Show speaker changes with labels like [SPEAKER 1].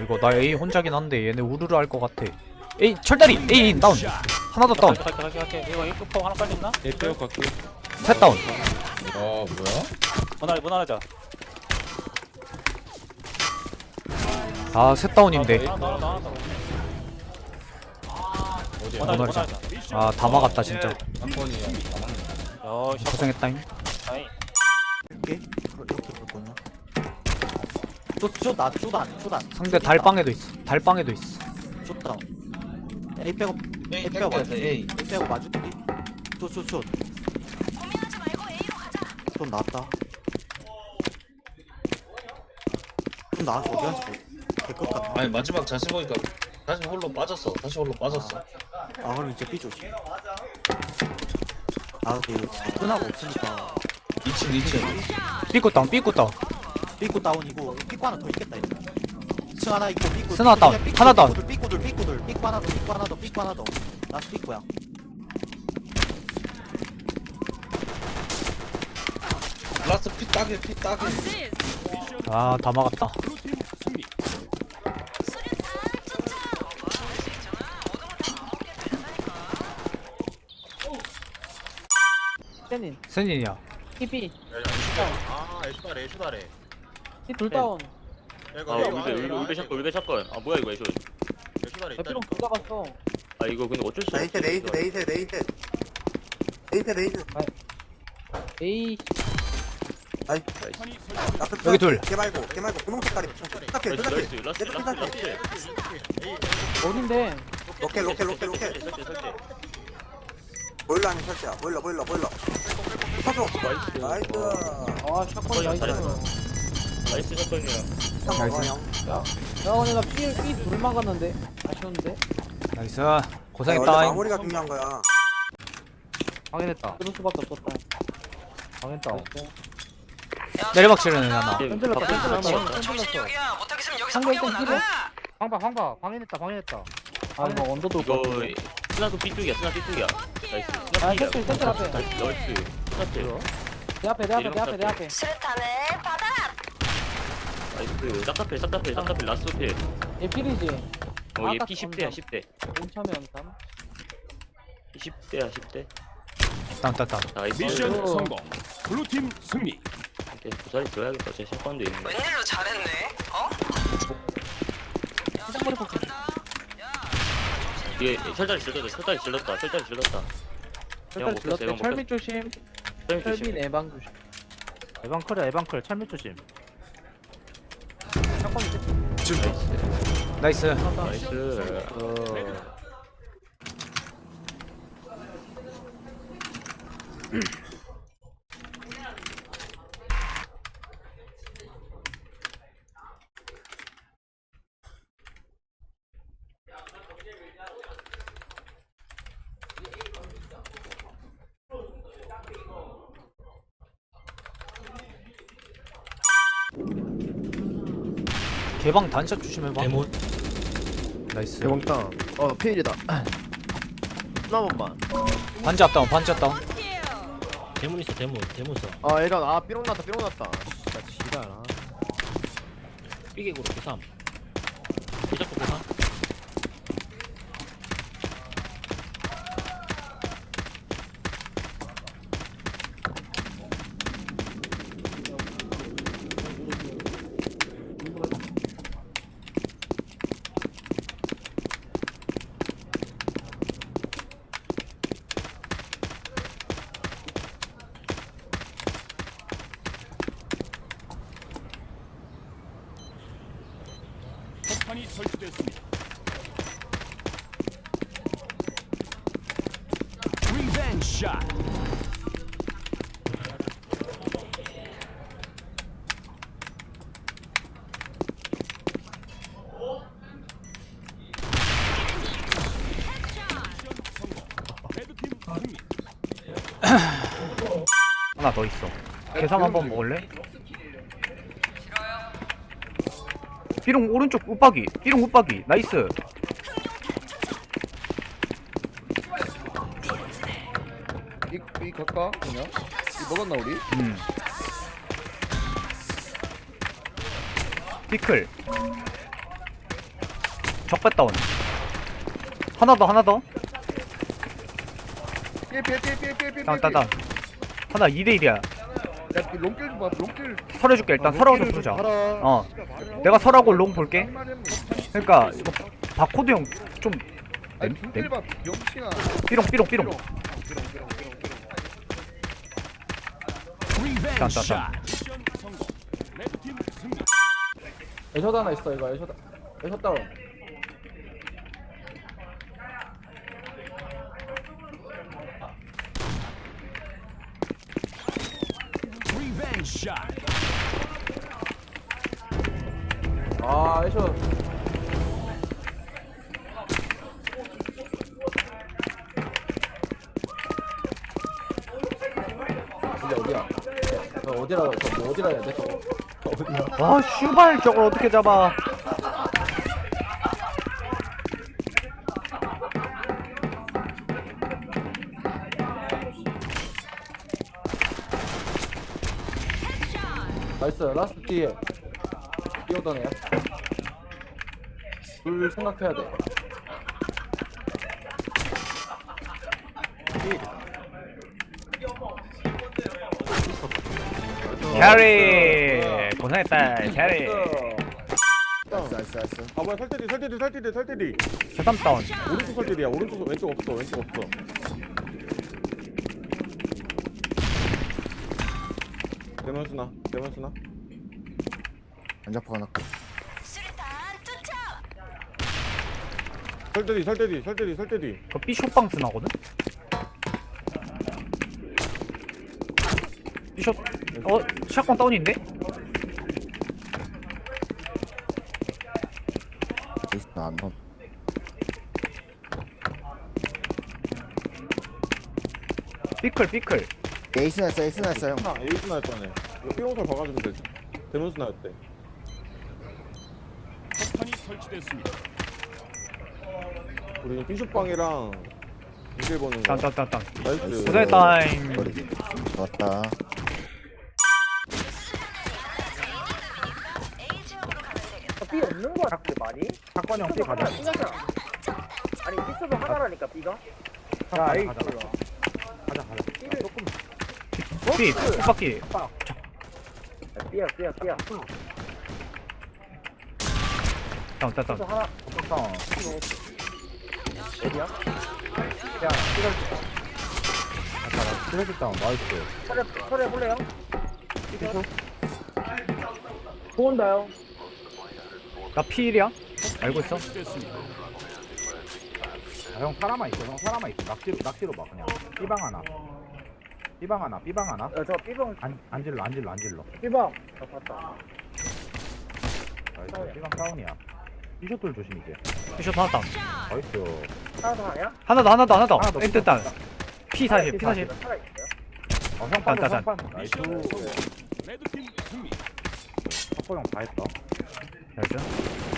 [SPEAKER 1] 이거 나 A 혼자긴 한데 얘네 우르르 할 것 같아. A 철다리 A 다운. 하나 더 다운.
[SPEAKER 2] 갈게. 이거 입구포 하나 빨리 있나?
[SPEAKER 3] 내 빼고 갈게.
[SPEAKER 1] 셋 다운.
[SPEAKER 3] 뭐야?
[SPEAKER 2] 무난하자.
[SPEAKER 1] 아 셋 다운인데.
[SPEAKER 2] 하나 더.
[SPEAKER 3] 어디야?
[SPEAKER 1] 무난하자. 아 다 막았다 진짜.
[SPEAKER 3] 한 번이야.
[SPEAKER 2] 야, 샷.
[SPEAKER 1] 고생했다잉.
[SPEAKER 2] 아이.
[SPEAKER 4] 이렇게 볼 거냐? 쪼단.
[SPEAKER 1] 상대 달방에도 있어. 달방에도 있어.
[SPEAKER 4] 쪼다. A 빼고
[SPEAKER 3] A
[SPEAKER 4] 빼고
[SPEAKER 3] 땡겼어, A.
[SPEAKER 4] A 빼고 맞을게. 쪼. 좀 나왔다. 좀 나와서 어디 갔지? 될것 같아.
[SPEAKER 3] 아니 마지막 자신 보니까 다시 홀로 빠졌어.
[SPEAKER 4] 아 그럼 이제 B 조심. 아 근데 끝나고 없으니까
[SPEAKER 3] 2층.
[SPEAKER 1] 삐꾸 다운.
[SPEAKER 4] 삐꾸 다운이고 삐꾸 하나 더 있겠다 이제. 층 하나 있고 삐꾸
[SPEAKER 1] 스나 다운. 하나 다운.
[SPEAKER 4] 삐꾸 하나 더 라스 삐꾸야.
[SPEAKER 3] 라스트 피 따게.
[SPEAKER 1] 아 다 막았다.
[SPEAKER 5] 세닌
[SPEAKER 1] 센인이야.
[SPEAKER 5] TP
[SPEAKER 6] 아 애쇼다래
[SPEAKER 5] 둘 다운
[SPEAKER 2] 울베 샷건. 아 뭐야 이거 애쇼.
[SPEAKER 6] 애쇼다래
[SPEAKER 5] 에피롱 둘 잡았어
[SPEAKER 2] 아 이거 근데 어쩔 수 없어.
[SPEAKER 4] 레이스
[SPEAKER 5] 에이
[SPEAKER 1] 여기 둘.
[SPEAKER 4] 걔 말고 분홍 색깔이
[SPEAKER 2] 라스트.
[SPEAKER 5] 어딘데
[SPEAKER 4] 로켓 보일러 아닌 설치야 보일러 터져 나이스
[SPEAKER 5] 아 샷건 나이스
[SPEAKER 2] 나이스 샷건이야.
[SPEAKER 5] 야 근데 나 B 둘 막았는데 아쉬운데
[SPEAKER 1] 나이스. 고생했다잉.
[SPEAKER 4] 마무리가 중요한 거야
[SPEAKER 5] 방해됐다 그럴 수밖에 없었다 방해했다
[SPEAKER 1] 내리막 치르는 하나.
[SPEAKER 5] 흔들렸다
[SPEAKER 7] 정신력이야. 못하겠으면 여기서
[SPEAKER 5] 상대
[SPEAKER 7] 포기하고
[SPEAKER 5] 좀
[SPEAKER 7] 나가.
[SPEAKER 5] 황바 방해했다 아 이거 언더 돌
[SPEAKER 2] 이거 스나도 B쪽이야. 나이스.
[SPEAKER 5] 아 센터 앞에
[SPEAKER 2] 나이스.
[SPEAKER 5] 내 앞에
[SPEAKER 7] 수류탄을 받아.
[SPEAKER 2] 나이스. 싹다필 라스트 필.
[SPEAKER 5] 얘 필이지
[SPEAKER 2] 얘 P10대야 10대.
[SPEAKER 5] 온참이 온참
[SPEAKER 2] 10대야.
[SPEAKER 1] 다운.
[SPEAKER 2] 나이스.
[SPEAKER 5] 미션
[SPEAKER 8] 성공. 블루팀 승리.
[SPEAKER 2] 부살이 들어야겠다. 제 샷건도 있네.
[SPEAKER 7] 웬일로 잘했네. 어?
[SPEAKER 5] 시작머리 폭
[SPEAKER 2] 얘 철다리 질렀다.
[SPEAKER 5] 일단 질렀대 철미 조심 철미 내방 조심
[SPEAKER 9] 에방클 철미 조심.
[SPEAKER 5] 샷건 이제
[SPEAKER 1] 나이스.
[SPEAKER 2] 나이스.
[SPEAKER 1] 개방 단샷 조심해봐. 나이스.
[SPEAKER 9] 대왕땅. 페일이다. 하나 번만.
[SPEAKER 1] 반지 다운.
[SPEAKER 9] 대문 있어 대문 써. 얘가 삐롱 났다. 진짜 지랄아.
[SPEAKER 2] 삐개구로 고3. 삐잡고 고3.
[SPEAKER 8] 폭탄이 설치됐습니다. 리벤지 샷. 레드팀 승리.
[SPEAKER 1] 하나 더 있어. 계산 한번 먹을래? 삐롱 오른쪽 웃박이. 나이스.
[SPEAKER 9] 이 갈까 그냥? 이 먹었나 우리?
[SPEAKER 1] 피클. 적배 다운. 하나 더. 다운. 하나 2대1이야.
[SPEAKER 5] 롱길 좀 봐. 롱길.
[SPEAKER 1] 설해줄게 일단. 설하고 좀 부르자. 내가 설하고 롱 볼게. 그러니까 이거 바코드 형 좀
[SPEAKER 5] 중길 봐. 병신아.
[SPEAKER 1] 삐롱.
[SPEAKER 8] 리벤지
[SPEAKER 1] 딴.
[SPEAKER 8] 샷. 미션 성공. 레드팀 승리.
[SPEAKER 5] 애셔 하나 있어 이거. 애셔 다운.
[SPEAKER 8] 리벤지 샷.
[SPEAKER 5] 아 애셔. 진짜 어디야? 어디라 해야 돼? 저거 어디야?
[SPEAKER 1] 아 슈발 저걸 어떻게 잡아.
[SPEAKER 5] 나이스. 라스트 뒤에 뛰어던 애야. 둘 생각해야 돼.
[SPEAKER 1] 캐리 고생했다. 캐리.
[SPEAKER 5] 나이스. 아 뭐야 설대디.
[SPEAKER 1] 세삼 다운.
[SPEAKER 5] 오른쪽 설대디야. 왼쪽 없어. 대면수나. 안 잡고 하나.
[SPEAKER 7] 수류탄 투척.
[SPEAKER 5] 설대디.
[SPEAKER 1] 그 삐쇼빵 쓰나거든? 삐쇼 샷건 다운인데?
[SPEAKER 5] 안 넣어.
[SPEAKER 1] 삐클.
[SPEAKER 5] 에이스 났어 형. 에이스 났잖아. 이거 삐용설 박아주면 되지. 대면수 나였대.
[SPEAKER 8] 폭탄이 설치됐습니다.
[SPEAKER 5] 우리 삐쇼빵이랑 이길 보는 거.
[SPEAKER 1] 딴.
[SPEAKER 5] 나이스.
[SPEAKER 1] 고생했다잉.
[SPEAKER 5] 좋았다.
[SPEAKER 7] A 지역으로 가면 되겠다.
[SPEAKER 10] 삐 없는 거 같은데 많이?
[SPEAKER 5] 사건이 형 삐 가자.
[SPEAKER 10] 아니 삐스도 하나라니까 삐가?
[SPEAKER 5] 야 에이.
[SPEAKER 10] 가자.
[SPEAKER 5] 삐를 조금.
[SPEAKER 1] 삐 뚜바퀴.
[SPEAKER 10] 삐야.
[SPEAKER 1] 다운.
[SPEAKER 10] 또 하나. 어디야?
[SPEAKER 5] 야 삐를 다운. 나이스.
[SPEAKER 10] 철에 볼래요? 좋은다요.
[SPEAKER 1] 나 P1이야? 알고 있어?
[SPEAKER 8] 설치됐습니다.
[SPEAKER 5] 형 사람만 있어. 낙지로 봐 그냥. 삐방 하나.
[SPEAKER 10] 저 삐방
[SPEAKER 5] 안 질러.
[SPEAKER 10] 삐방. 봤다.
[SPEAKER 5] 나이스. 삐방 다운이야. 삐쇼돌 조심 이제.
[SPEAKER 1] 삐쇼 하나 다운.
[SPEAKER 5] 나이스.
[SPEAKER 10] 하나 더 하냐?
[SPEAKER 1] 하나 더.
[SPEAKER 5] 하나 더.
[SPEAKER 1] 엔트 다운. P40.
[SPEAKER 10] 살아 있어요?
[SPEAKER 5] 형
[SPEAKER 1] 딴.
[SPEAKER 5] 나이스.
[SPEAKER 8] 레드팀 승리.
[SPEAKER 5] 석호 형다 했다.
[SPEAKER 1] 나이스.